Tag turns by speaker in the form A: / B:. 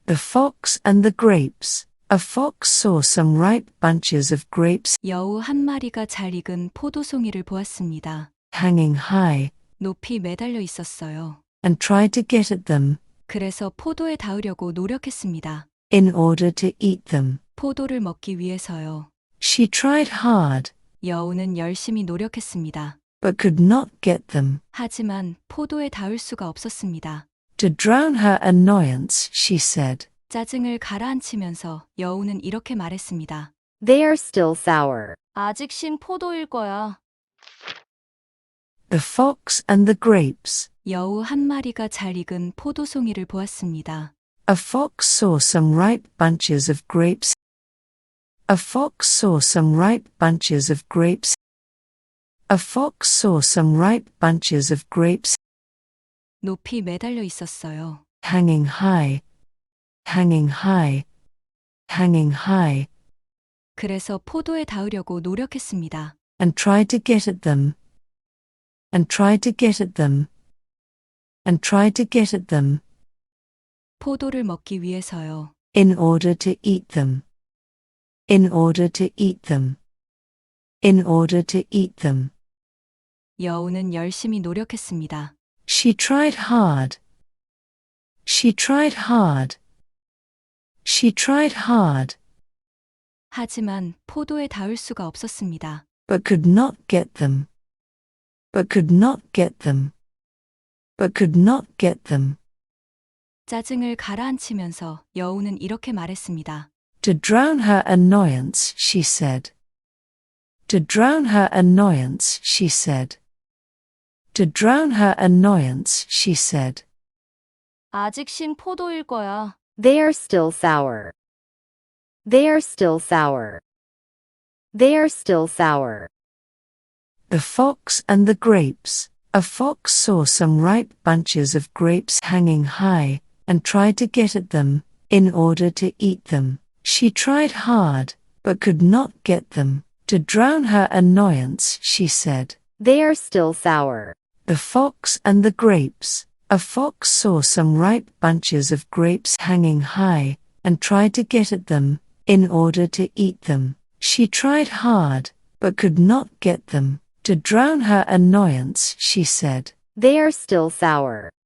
A: The Fox and the Grapes. A fox saw some ripe bunches of grapes
B: 여우 한 마리가 잘 익은 포도송이를 보았습니다.
A: hanging high
B: 높이 매달려 있었어요.
A: and tried to get at them
B: 그래서 포도에 닿으려고 노력했습니다.
A: in order to eat them.
B: 포도를 먹기 위해서요.
A: She tried hard
B: 여우는 열심히 노력했습니다.
A: but could not get them.
B: 하지만 포도에 닿을 수가 없었습니다.
A: To drown her annoyance, she said,
B: 짜증을 가라앉히면서 여우는 이렇게 말했습니다.
C: They are still sour.
B: 아직 신 포도일 거야.
A: The Fox and the Grapes.
B: 여우 한 마리가 잘 익은 포도송이를 보았습니다.
A: A fox saw some ripe bunches of grapes. A fox saw some ripe bunches of grapes. A fox saw some ripe bunches of grapes
B: 높이 매달려 있었어요.
A: hanging high, hanging high, hanging high,
B: 그래서 포도에 닿으려고 노력했습니다.
A: and tried to get at them, and tried to get at them, and tried to get at them,
B: 포도를 먹기 위해서요.
A: in order to eat them, in order to eat them, in order to eat them.
B: 여우는 열심히 노력했습니다.
A: She tried hard. She tried hard. She tried hard,
B: 하지만 포도에 닿을 수가 없었습니다.
A: but could not get them. But could not get them. But could not get them.
B: 짜증을 가라앉히면서 여우는 이렇게 말했습니다.
A: To drown her annoyance, she said. To drown her annoyance, she said. To drown her annoyance, she said.
B: 아직 신 포도일 거야.
C: They are still sour. They are still sour. They are still sour.
A: The Fox and the Grapes. A fox saw some ripe bunches of grapes hanging high, and tried to get at them, in order to eat them. She tried hard, but could not get them. To drown her annoyance, she said.
C: They are still sour.
A: The Fox and the Grapes. A fox saw some ripe bunches of grapes hanging high, and tried to get at them, in order to eat them. She tried hard, but could not get them. To drown her annoyance, she said.
C: They are still sour.